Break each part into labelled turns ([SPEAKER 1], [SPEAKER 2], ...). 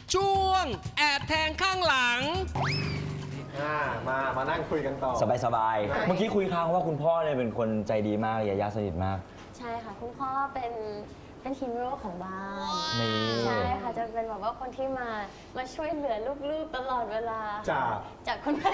[SPEAKER 1] ช่วงแอบแทงข้างหลัง
[SPEAKER 2] มานั่งคุยกันต่อ
[SPEAKER 3] สบายๆ เมื่อกี้คุยค้างว่าคุณพ่อเนี่ยเป็นคนใจดีมากยายาสนิทมาก
[SPEAKER 4] ใช่ค่ะคุณพ่อเป็นฮีโร่ของบ้าน
[SPEAKER 3] นี่
[SPEAKER 4] ใช่ค่ะจะเป็นแบบว่าคนที่มาช่วยเหลือลูกๆตลอดเวลา จากคุณแม่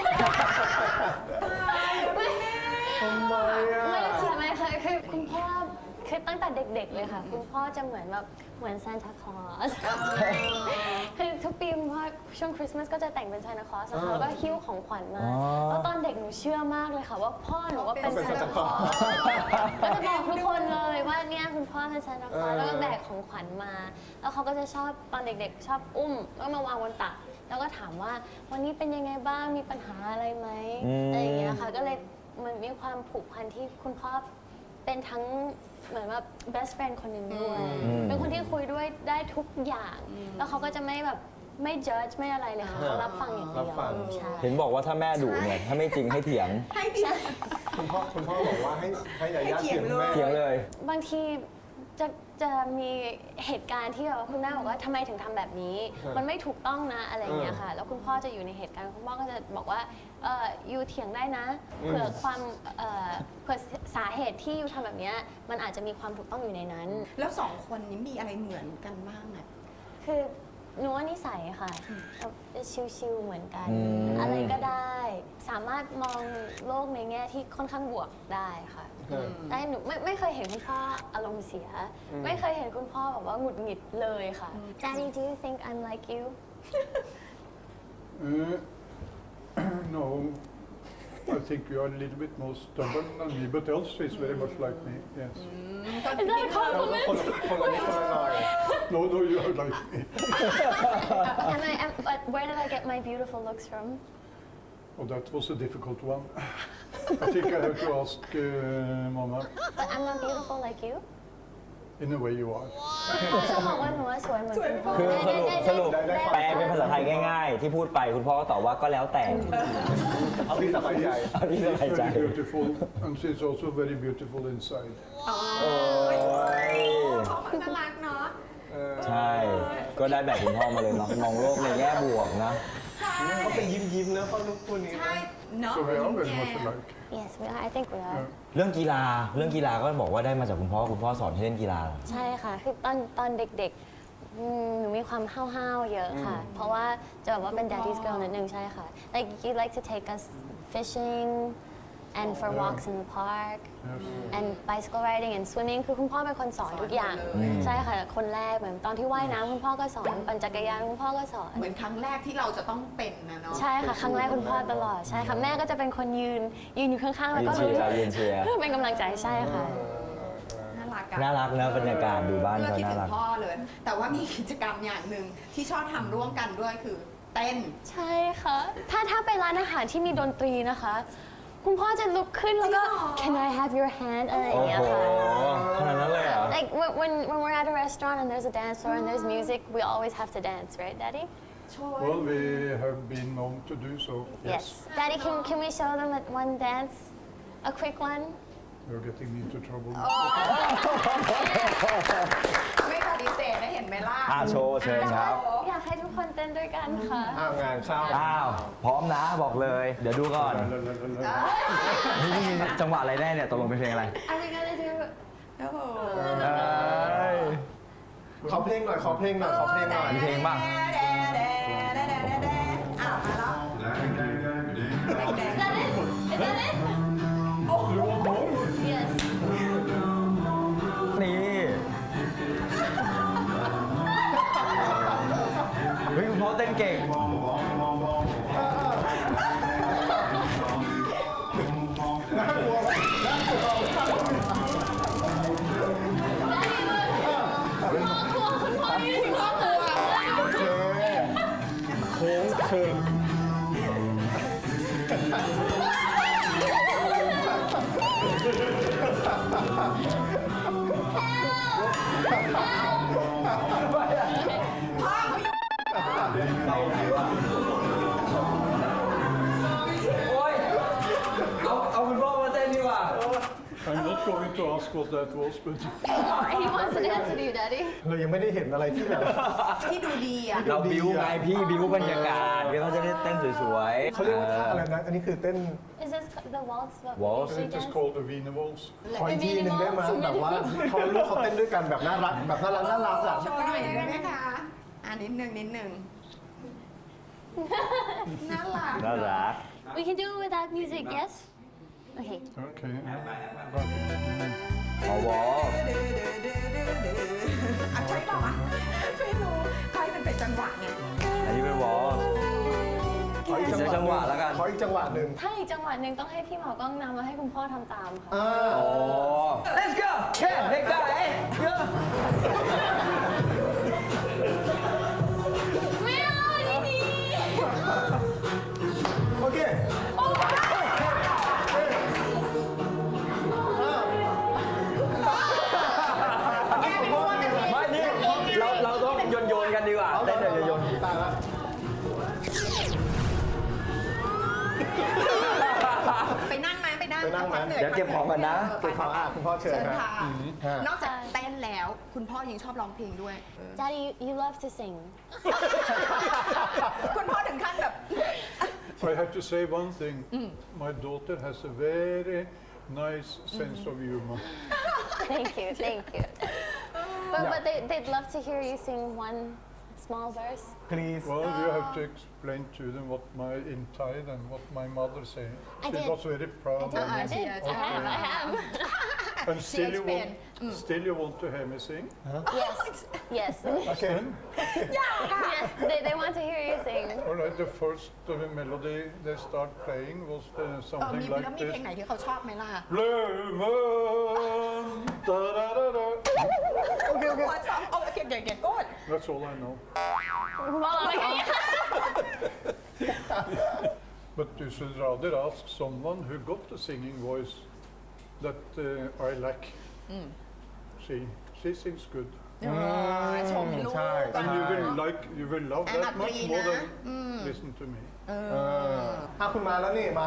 [SPEAKER 2] ทำไมอ่ะ
[SPEAKER 4] ไม่ใช่ไหมคะคือคุณพ่อคือตั้งแต่เด็กๆเลยค่ะ คุณพ่อจะเหมือนซานตาคลอสคือทุกปีคุณพ่อช่วงคริสต์มาสก็จะแต่งเป็นซานตาคลอสนะคะแล้วก็หิ้วของขวัญมาแล้วตอนเด็กหนูเชื่อมากเลยค่ะว่าพ่อหนูว่าเป็นซานตาคลอสก็จะบอกทุกคนเลยว่าเนี่ยคุณพ่อเป็นซานตาคลอสแล้วก็แบกของขวัญมา แล้วเขาก็จะชอบตอนเด็กๆชอบอุ้มแล้วมาวางบนตักแล้วก็ถามว่าวันนี้เป็นยังไงบ้างมีปัญหาอะไรไหมอะไรอย่างเงี้ยค่ะก็เลยมันมีความผูกพันที่คุณพ่อเป็นทั้งเหมือนว่า best friend คนหนึ่งด้วยเป็นคนที่คุยด้วยได้ทุกอย่าง แล้วเขาก็จะไม่ judge ไม่อะไรเลยค่ะเขารับฟังอย่างเดียวใช่
[SPEAKER 3] เห็นบอกว่าถ้าแม่ดุเนี่ยถ้าไม่จริงให้เถียง
[SPEAKER 2] คุณพ่อบอกว่าให้ยายาเถียงแม่
[SPEAKER 3] เถียงเลย
[SPEAKER 4] บางทีจะมีเหตุการณ์ที่แบบว่าคุณแม่บอกว่าทำไมถึงทำแบบนี้ มันไม่ถูกต้องนะอะไรอย่างเงี้ยค่ะ แล้วคุณพ่อจะอยู่ในเหตุการณ์คุณพ่อก็จะบอกว่ายูเถียงได้นะเผื่อเผื่อสาเหตุที่ยูทำแบบเนี้ยมันอาจจะมีความถูกต้องอยู่ในนั้น
[SPEAKER 5] แล้วสองคนนี้มีอะไรเหมือนกันบ้างอ่ะ
[SPEAKER 4] คือหนูว่านิสัยค่ะชิวๆเหมือนกัน อะไรก็ได้ สามารถมองโลกในแง่ที่ค่อนข้างบวกได้ค่ะได้หนูไม่เคยเห็นคุณพ่ออารมณ์เสีย ไม่เคยเห็นคุณพ่อแบบว่าหงุดหงิดเลยค่ะ Daddy do you think I'm like you
[SPEAKER 6] No, I think you are a little bit more stubborn than me, but Elsa is very much like me, yes.
[SPEAKER 4] Is that a compliment
[SPEAKER 2] คนละนิดคนละหน่อย
[SPEAKER 6] No, you are like me.
[SPEAKER 4] But where did I get my beautiful looks from
[SPEAKER 6] Oh, that was a difficult one. I think I have to ask Mama.
[SPEAKER 4] But I'm not beautiful like you
[SPEAKER 6] In a way you are.
[SPEAKER 4] จะบอกว่าหนูว่าสวยเหมือนคุณพ่อ
[SPEAKER 3] คือสรุปแปลเป็นภาษาไทยง่ายๆ ที่พูดไปคุณพ่อก็ตอบว่าก็แล้วแต่
[SPEAKER 2] เอาที่สบายใจ
[SPEAKER 3] เอาที่สบาย
[SPEAKER 6] She's
[SPEAKER 3] ใจ
[SPEAKER 6] very beautiful, and she's also very beautiful inside.
[SPEAKER 5] เขาน่ารักเนาะ
[SPEAKER 3] ใช่ ก็ได้แบบคุณพ่อมาเลยเนาะมองโลกในแง่บวกนะ
[SPEAKER 2] เขาเป็นยิ้มๆนะเขาลูกตัวนี้
[SPEAKER 5] ใช่เนาะ
[SPEAKER 6] So we are very much alike.
[SPEAKER 4] Yes we are I think we are
[SPEAKER 3] เรื่องกีฬาก็บอกว่าได้มาจากคุณพ่อสอนให้เล่นกีฬา
[SPEAKER 4] ใช่ค่ะ คือตอนเด็กๆหนูมีความห้าวๆเยอะค่ะ เพราะว่าจะแบบว่าเป็น daddy's girl นิดนึงใช่ค่ะ like you like to take us fishing and for walks in the park and bicycle riding and swimming คือคุณพ่อเป็นคนสอนทุกอย่าง ใช่ค่ะ คนแรกเหมือนตอนที่ว่ายน้ำคุณพ่อก็สอน ปั่นจักรยานคุณพ่อก็สอน
[SPEAKER 5] เหมือนครั้งแรกที่เราจะต้องเป็นนะเนาะ
[SPEAKER 4] ใช่ค่ะ ครั้งแรกคุณพ่อตลอด ใช่ค่ะ แม่ก็จะเป็นคนยืนอยู่ข้างๆ แล้วก็
[SPEAKER 3] ยืนเชียร์
[SPEAKER 4] เป็นกำลังใจ ใช่ค่ะ
[SPEAKER 5] น่ารักอะ
[SPEAKER 3] น่ารักนะบรรยากาศดูบ้าน
[SPEAKER 5] เพื่อ
[SPEAKER 3] เขา
[SPEAKER 5] คิด
[SPEAKER 3] น่า
[SPEAKER 5] ถึ
[SPEAKER 3] รั
[SPEAKER 5] ง
[SPEAKER 3] ก
[SPEAKER 5] พ่อเลย แต่ว่ามีกิจกรรมอย่างหนึ่งที่ชอบทำร่วมกันด้วยคือเต้น
[SPEAKER 4] ใช่ค่ะ ถ้าไปร้านอาหารที่มีดนตรีนะคะ คุณพ่อจะลุกขึ้นแล้วก็ Can I have your hand อะไรอย่างเงี้ยค่ะ
[SPEAKER 3] ขนาดนั้นเลยเหรอ
[SPEAKER 4] Like when we're at a restaurant and there's a dance floor and there's music, we always have to dance, right, Daddy?
[SPEAKER 6] Well, we have been known to do so, yes.
[SPEAKER 4] Daddy, can we show them one dance? A quick one?
[SPEAKER 6] You're getting me into trouble.
[SPEAKER 5] ไม่ปฏิเสธนะเห็นไหมล่ะ
[SPEAKER 3] โชว์เชิญครับ
[SPEAKER 4] อยากให้ทุกคนเต้นด้วยกันค่ะ
[SPEAKER 2] งานเข้า
[SPEAKER 3] อ้าว พร้อมนะบอกเลย เดี๋ยวดูก่อน นี่จังหวะอะไรแน่เนี่ยตกลงเป็นเพลงอะไร
[SPEAKER 4] Are we gonna do
[SPEAKER 5] โอ้โห
[SPEAKER 2] ขอเพลงหน่อย
[SPEAKER 3] มีเพลงบ้าง
[SPEAKER 5] อ้าวมาแล้ว
[SPEAKER 4] Is that it? Is that it? Yes.
[SPEAKER 3] นี่ เฮ้ยคุณพ่อเต้นเก่ง
[SPEAKER 2] โค้งเชิง
[SPEAKER 3] โอ้ย เอาคุณพ่อมาเต้นดีกว่า
[SPEAKER 6] I'm not going to ask what that was, but
[SPEAKER 4] He wants an answer to you, Daddy.
[SPEAKER 2] เรายังไม่ได้เห็นอะไรที่แบบ
[SPEAKER 5] ที่ดูดีอ่ะ
[SPEAKER 3] เราบิ้วไงพี่บิ้วบรรยากาศเดี๋ยวเขาจะได้เต้นสวยๆ
[SPEAKER 2] เขาเรียกว่าท่าอะไรนะ อันนี้คือเต้น
[SPEAKER 4] Is this the waltz? What
[SPEAKER 3] Waltz.
[SPEAKER 4] we
[SPEAKER 6] it is
[SPEAKER 4] dance?
[SPEAKER 6] called the Wiener Waltz.
[SPEAKER 2] ขออีกทีหนึ่งได้ไหมแบบว่าเขาลูกเขาเต้นด้วยกันแบบน่ารักแบบน่ารักน่ารักอ่ะ
[SPEAKER 5] โชว์หน่อยได้ไหมคะนิดนึงน่ารัก
[SPEAKER 3] น่ารัก
[SPEAKER 4] We can do it without music, yes? Okay.
[SPEAKER 6] Okay.
[SPEAKER 3] อ๋อวอล
[SPEAKER 5] ใช่ป่าวะไม่รู้ใครมันเป็นจังหวะไง
[SPEAKER 3] อันนี้เป็นวอล
[SPEAKER 2] ขออีก
[SPEAKER 3] เดี๋ยวจังหวะแล้วกัน
[SPEAKER 2] ขออีกจังหวะหนึ่ง
[SPEAKER 4] ถ้าอีกจังหวะหนึ่งต้องให้พี่หมอกล้องนำแล้วให้คุณพ่อทำตามค่ะ
[SPEAKER 2] อ่า
[SPEAKER 3] อ๋อ Let's go แค่เด็กได้เยอะ
[SPEAKER 4] ไม่เอาดี
[SPEAKER 2] โอเค
[SPEAKER 3] ไม่นี่เราต้องโยนกันดีกว่าเต้นเดี๋ยวโยน
[SPEAKER 2] ตายละ
[SPEAKER 5] ไปนั่งไหมไปนั่ง
[SPEAKER 2] ไปนั่งไหม
[SPEAKER 5] พัหนื่อ
[SPEAKER 3] เดี๋ยวเก็บของก่อนนะ
[SPEAKER 2] เก็บของคุณพ่อเชิญ
[SPEAKER 5] เชิญ
[SPEAKER 2] นะ
[SPEAKER 5] ค่ะ
[SPEAKER 2] ฮะ
[SPEAKER 5] นอกจากเต้นแล้ว คุณพ่อยังชอบร้องเพลงด้วย
[SPEAKER 4] Daddy, you love to sing.
[SPEAKER 5] คุณพ่อถึงขั้นแบบ
[SPEAKER 6] I have to say one thing. My daughter has a very nice sense of humor.
[SPEAKER 4] Thank you, thank you. But they'd love to hear you sing one small verse.
[SPEAKER 2] please
[SPEAKER 6] Well, you have to explain to them what my inside and what my mother said.
[SPEAKER 4] I
[SPEAKER 6] She
[SPEAKER 4] did.
[SPEAKER 6] was very proud of
[SPEAKER 4] I
[SPEAKER 6] me.
[SPEAKER 4] did. I have.
[SPEAKER 6] And still you,
[SPEAKER 5] explained.
[SPEAKER 6] still you want to hear me sing?
[SPEAKER 4] Yes, yes.
[SPEAKER 2] โอเค
[SPEAKER 4] Yes, they want to hear you sing.
[SPEAKER 6] All right, the first melody they start playing was
[SPEAKER 5] มี
[SPEAKER 6] something
[SPEAKER 5] แล้ว
[SPEAKER 6] like
[SPEAKER 5] มีเพลง
[SPEAKER 6] this.
[SPEAKER 5] ไหนที่เขาชอบไหมล่ะ
[SPEAKER 6] Lemon, da-da-da-da.
[SPEAKER 5] โอเคโอเคโกด
[SPEAKER 6] That's all I know.
[SPEAKER 4] บอกเราเลยค่ะ
[SPEAKER 6] But you should rather ask someone who got the singing voice that I lack. She sings good.
[SPEAKER 5] ชมลูก
[SPEAKER 2] ใช่
[SPEAKER 6] And you will love
[SPEAKER 5] And
[SPEAKER 6] that much more
[SPEAKER 5] Adrina.
[SPEAKER 6] than listen to me.
[SPEAKER 2] คุณมาแล้วนี่มา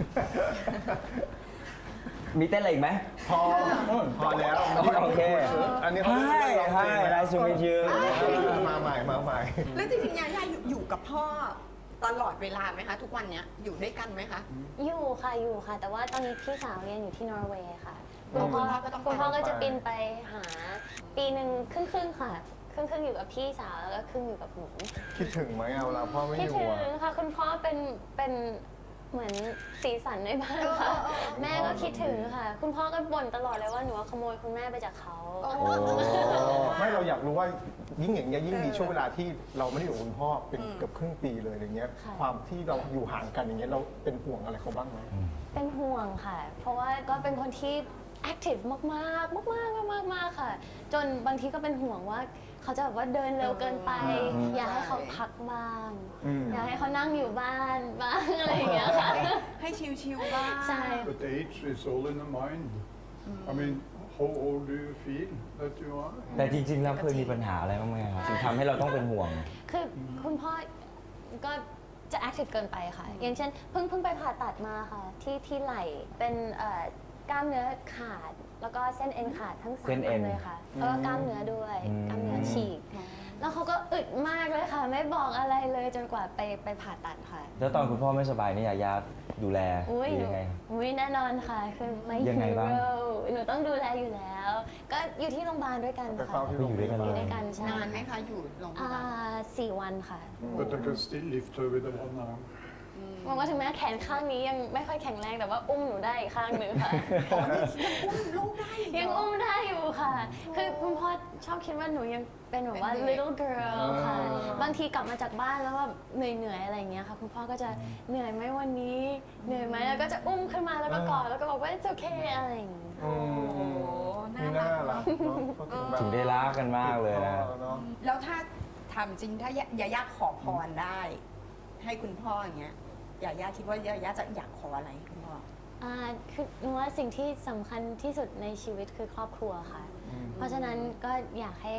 [SPEAKER 3] มีเต้นอะไรอีกไหม
[SPEAKER 2] พอแล้ว
[SPEAKER 3] โอเค
[SPEAKER 2] อันนี้เขา
[SPEAKER 3] Hi Hi nice to meet you
[SPEAKER 2] มาใหม่มาใหม่
[SPEAKER 5] แล้วจริงๆยาย่าอยู่กับพ่อตลอดเวลาไหมคะ ทุกวันเนี้ยอยู่ด้วยกันไหมคะ
[SPEAKER 4] อยู่ค่ะ แต่ว่าตอนนี้พี่สาวเรียนอยู่ที่นอร์เวย์ค่ะ
[SPEAKER 5] คุณพ่อก็ต้องไป
[SPEAKER 4] คุณพ่อก็จะบินไปหาปีหนึ่งครึ่งค่ะ ครึ่งอยู่กับพี่สาวแล้วก็ครึ่งอยู่กับหนู
[SPEAKER 2] คิดถึงไหมเอาละพ่อไม่
[SPEAKER 4] คิ
[SPEAKER 2] อ
[SPEAKER 4] ด
[SPEAKER 2] ยู่
[SPEAKER 4] ถึง
[SPEAKER 2] อะ
[SPEAKER 4] ค่ะ คุณพ่อเป็นเหมือนสีสันในบ้านค่ะ แม่ก็คิดถึงค่ะ คุณพ่อก็บ่นตลอดเลยว่าหนูขโมยคุณแม่ไปจากเขา
[SPEAKER 2] ไม่เราอยากรู้ว่ายิ่งอย่างเงี้ยยิ่งมีช่วงเวลาที่เราไม่ได้อยู่กับคุณพ่อเป็นเกือบครึ่งปีเลยอย่างเงี้ย
[SPEAKER 4] ค่ะ
[SPEAKER 2] ความที่เราอยู่ห่างกันอย่างเงี้ยเราเป็นห่วงอะไรเขาบ้างไหม
[SPEAKER 4] เป็นห่วงค่ะ เพราะว่าก็เป็นคนที่แอคทีฟมากค่ะ จนบางทีก็เป็นห่วงว่าเขาจะแบบว่าเดินเร็วเกินไป อยากให้เขาพักบ้าง อยากให้เขานั่งอยู่บ้านบ้างอะไรอย่างเงี้ยค่ะ
[SPEAKER 5] ให้ชิวๆบ้าง
[SPEAKER 4] ใช่
[SPEAKER 6] But age is all in the mind. I mean, how old do you feel that you are?
[SPEAKER 3] แต่จริงๆแล้วเคยมีปัญหาอะไรบ้างไหมครับถึงทำให้เราต้องเป็นห่วง
[SPEAKER 4] คือคุณพ่อก็จะแอคทีฟเกินไปค่ะ อย่างเช่นเพิ่งไปผ่าตัดมาค่ะที่ไหล่เป็นกล้ามเนื้อขาด แล้วก็เส้นเอ็นขาดทั้งสาม
[SPEAKER 3] เส้นเอ็
[SPEAKER 4] อั
[SPEAKER 3] น
[SPEAKER 4] นเลยค่ะแล้วก็กล้ามเนื้อด้วย กล้ามเนื้อฉีก แล้วเขาก็อึดมากเลยค่ะ ไม่บอกอะไรเลยจนกว่าไปผ่าตัดค่ะ
[SPEAKER 3] แล้วตอนคุณพ่อไม่สบายนี่ยายาดูแล
[SPEAKER 4] อุ้ย
[SPEAKER 3] หรือยังไง
[SPEAKER 4] แน่นอนค่ะ คือไม่
[SPEAKER 3] ยังไงบ้าง
[SPEAKER 4] หนูต้องดูแลอยู่แล้ว ก็อยู่ที่โรงพยาบาลด้วยกัน
[SPEAKER 2] ไป
[SPEAKER 4] ค่ะ
[SPEAKER 2] เฝ้าที่โรงพยาบาล
[SPEAKER 4] อยู่ด้วยกันใช่
[SPEAKER 5] นานไหมคะอยู่โรงพยาบาล
[SPEAKER 4] 4 วันค่ะ
[SPEAKER 6] But I can still lift her with the one arm.
[SPEAKER 4] บอกว่าถึงแม้แขนข้างนี้ยังไม่ค่อยแข็งแรงแต่ว่าอุ้มหนูได้อีกข้างหนึ่งค่ะ
[SPEAKER 5] ลูกได้
[SPEAKER 4] ยังอุ้มได้อยู่ค่ะ คือคุณพ่อชอบคิดว่าหนูยังเป็นแบบว่า little girl ค่ะ บางทีกลับมาจากบ้านแล้วแบบเหนื่อยๆอะไรอย่างเงี้ยค่ะ คุณพ่อก็จะเหนื่อยไหมวันนี้ เหนื่อยไหมแล้วก็จะอุ้มขึ้นมาแล้วก็กอดแล้วก็บอกว่า it's okay อะไรอย่างเงี้ย
[SPEAKER 5] โอ้น่า
[SPEAKER 2] นี่
[SPEAKER 5] รั
[SPEAKER 2] น่าก รักเนาะเขาถึงแบบ
[SPEAKER 3] ถึงได้รักกันมากเลยนะ
[SPEAKER 2] เนาะ
[SPEAKER 5] แล้วถ้าทำจริงถ้ายาย่าขอพรได้ ให้คุณพ่ออย่างเงี้ยยาย่าคิดว่ายาย่าจะอยากขออะไรคุณพ่อ
[SPEAKER 4] คือหนูว่าสิ่งที่สำคัญที่สุดในชีวิตคือครอบครัวค่ะ เพราะฉะนั้นก็อยากให้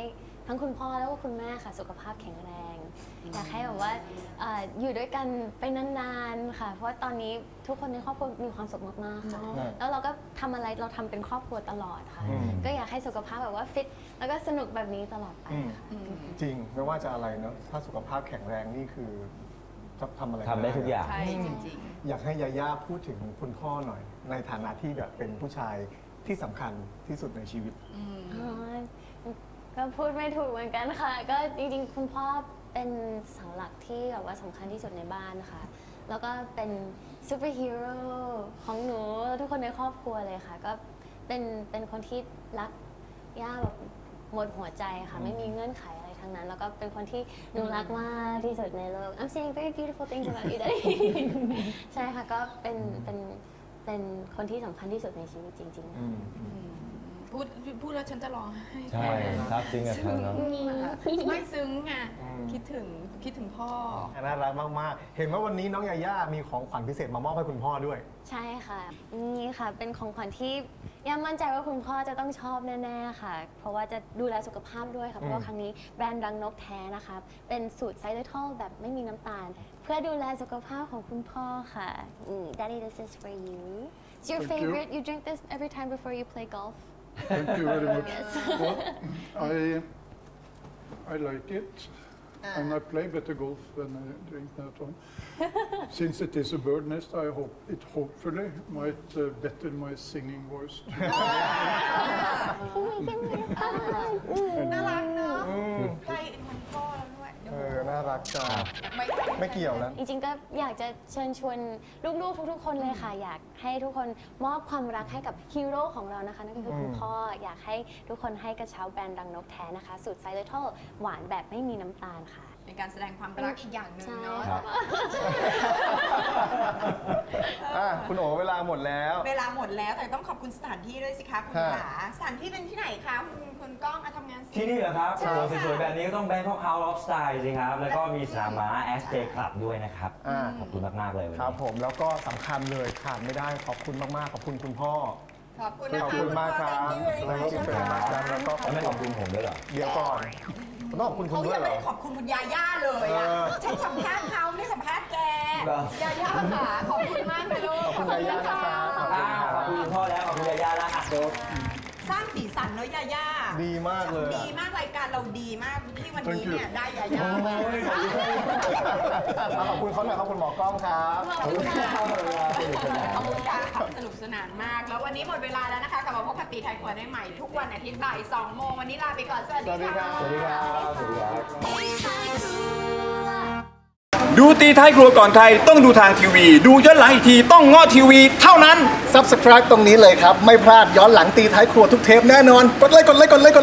[SPEAKER 4] ทั้งคุณพ่อแล้วก็คุณแม่ค่ะสุขภาพแข็งแรง อยากให้แบบว่าอยู่ด้วยกันไปนานๆค่ะเพราะว่าตอนนี้ทุกคนในครอบครัวมีความสุขมากๆค่ะแล้วเราก็ทำอะไรเราทำเป็นครอบครัวตลอดค่ะก็อยากให้สุขภาพแบบว่าฟิตแล้วก็สนุกแบบนี้ตลอดไปค่ะ
[SPEAKER 2] จริงไม่ว่าจะอะไรเนาะถ้าสุขภาพแข็งแรงนี่คือจะทำอะไร
[SPEAKER 3] ทำได้ทุกอย่าง
[SPEAKER 5] ใช่จริง
[SPEAKER 2] อยากให้ยาย่าพูดถึงคุณพ่อหน่อย ในฐานะที่แบบเป็นผู้ชายที่สำคัญที่สุดในชีวิต
[SPEAKER 4] อ๋อก็พูดไม่ถูกเหมือนกันค่ะ ก็จริงๆ คุณพ่อเป็นเสาหลักที่แบบว่าสำคัญที่สุดในบ้านค่ะ แล้วก็เป็นซูเปอร์ฮีโร่ของหนูและทุกคนในครอบครัวเลยค่ะ ก็เป็นคนที่รักย่าแบบหมดหัวใจค่ะ ไม่มีเงื่อนไขอะไรทั้งนั้น แล้วก็เป็นคนที่หนูรักมากที่สุดในโลก I'm saying very beautiful things about you daddy ใช่ค่ะ ก็เป็นคนที่สำคัญที่สุดในชีวิตจริงๆ
[SPEAKER 5] พูดแล้วฉันจะร้องไห้
[SPEAKER 3] ใช่ซาบซึ้งกับเธอเนาะ
[SPEAKER 5] ไม่ซึ้งไงคิดถึงพ่อ
[SPEAKER 2] น่ารักมากๆ เห็นว่าวันนี้น้องยาย่ามีของขวัญพิเศษมามอบให้คุณพ่อด้วย
[SPEAKER 4] ใช่ค่ะ นี่ค่ะ เป็นของขวัญที่ย่ามั่นใจว่าคุณพ่อจะต้องชอบแน่ๆค่ะ เพราะว่าจะดูแลสุขภาพด้วยค่ะ เพราะว่าครั้งนี้แบรนด์รังนกแท้นะคะ เป็นสูตรไซเลทอลแบบไม่มีน้ำตาล เพื่อดูแลสุขภาพของคุณพ่อค่ะ Daddy this is for you It's your
[SPEAKER 6] Thank you.
[SPEAKER 4] favorite you drink this every time before you play golf
[SPEAKER 6] Thank you very much. Well, I like it, and I play better golf when I drink that one. Since it is a bird nest, I hope it hopefully might better my singing voice.
[SPEAKER 5] น่ารักเนอะใกล้มันพ่อแล้วด้วย
[SPEAKER 2] น่ารักจังไม่เกี่ยวนะ
[SPEAKER 4] จริงๆ ก็อยากจะเชิญชวนลูกๆ ทุกๆ คนเลยค่ะ อยากให้ทุกคนมอบความรักให้กับฮีโร่ของเรานะคะ นั่นก็คือคุณพ่อ อยากให้ทุกคนให้กระเช้าแบรนด์รังนกแท้นะคะ สูตรไซเลทอลหวานแบบไม่มีน้ำตาลค่ะ
[SPEAKER 5] เป็นการแสดงความรักอีกอย่างหนึ่ง
[SPEAKER 4] ใช่
[SPEAKER 5] เนาะ
[SPEAKER 3] ครับ
[SPEAKER 2] คุณโอเวลาหมดแล้ว
[SPEAKER 5] เวลาหมดแล้วแต่ต้องขอบคุณสถานที่ด้วยสิคะคุณ
[SPEAKER 2] ค่ะ
[SPEAKER 5] ขาสถานที่เป็นที่ไหนคะคุณก้องทำงาน
[SPEAKER 3] ที่นี่เหรอครับ
[SPEAKER 5] ใช่
[SPEAKER 3] โอ้โห
[SPEAKER 5] ค่ะ
[SPEAKER 3] สวยๆแบบนี้ก็ต้อง Bangkok House of Style สิครับ แล้วก็มีสนามม้า SJ Club ด้วยนะครับ ขอบคุณมากๆเลยวัน
[SPEAKER 2] ครับ
[SPEAKER 3] นี้
[SPEAKER 2] ผมแล้วก็สำคัญเลยขาดไม่ได้ขอบคุณมากๆ ขอบคุณคุณพ่อ
[SPEAKER 5] ขอบคุณนะคะ
[SPEAKER 2] ขอบคุณมากครับ
[SPEAKER 5] ณพ่อ
[SPEAKER 2] แล้วก็คุณเป็นมากครับแล้วก็
[SPEAKER 3] แล้วไม่ขอบคุณผมด้วยเหรอ
[SPEAKER 2] เดี๋ยวก่อนต้องขอบคุณคุ
[SPEAKER 5] เขา
[SPEAKER 2] ณด้ว
[SPEAKER 5] ยั
[SPEAKER 2] ย
[SPEAKER 5] ง
[SPEAKER 2] เหร
[SPEAKER 5] ไม่
[SPEAKER 2] อ
[SPEAKER 5] ได้ขอบคุณคุณยาย่าเลยอะฉันสัมภาษณ์เขาไม่ได้สัมภาษณ์แก
[SPEAKER 3] เหรอ
[SPEAKER 5] ยาย่าค่ะขอบคุณมากเลยลูก
[SPEAKER 2] ขอบคุณยาย่านะครับขอบคุณครับ
[SPEAKER 3] ขอบคุณคุณพ่อแล้ว ขอบคุณยาย่าแล้วอ่ะ
[SPEAKER 5] สร้างสีสันเนอะยาย่า
[SPEAKER 2] ดีมากเลย
[SPEAKER 5] ดีมากรายการเราดีมากที่วันนี้เนี่ยได้ยาย่ามา
[SPEAKER 2] ขอบคุณเขาหน่อยครับคุณหมอกล้องครับ
[SPEAKER 5] ขอบคุณค่ะขอบคุณค่ะสนุกสนานมาก แล้ววันนี้หมดเวลาแล้วนะคะกลับมาพบกับตีไทยครัวได้ใหม่ทุกวันอาทิตย์บ่าย2 โมงวันนี้ลาไปก่อนสวัส
[SPEAKER 2] สวัส
[SPEAKER 5] ดี
[SPEAKER 2] ดีครั
[SPEAKER 5] ค่ะ
[SPEAKER 2] บ
[SPEAKER 3] สวัสดีครับ สวัสดีครับ
[SPEAKER 7] ดูตีท้ายครัวก่อนใครต้องดูทางทีวี ดูย้อนหลังอีกทีต้องง้อทีวีเท่านั้น
[SPEAKER 2] Subscribe ตรงนี้เลยครับ ไม่พลาดย้อนหลังตีท้ายครัวทุกเทปแน่นอน กดไลค์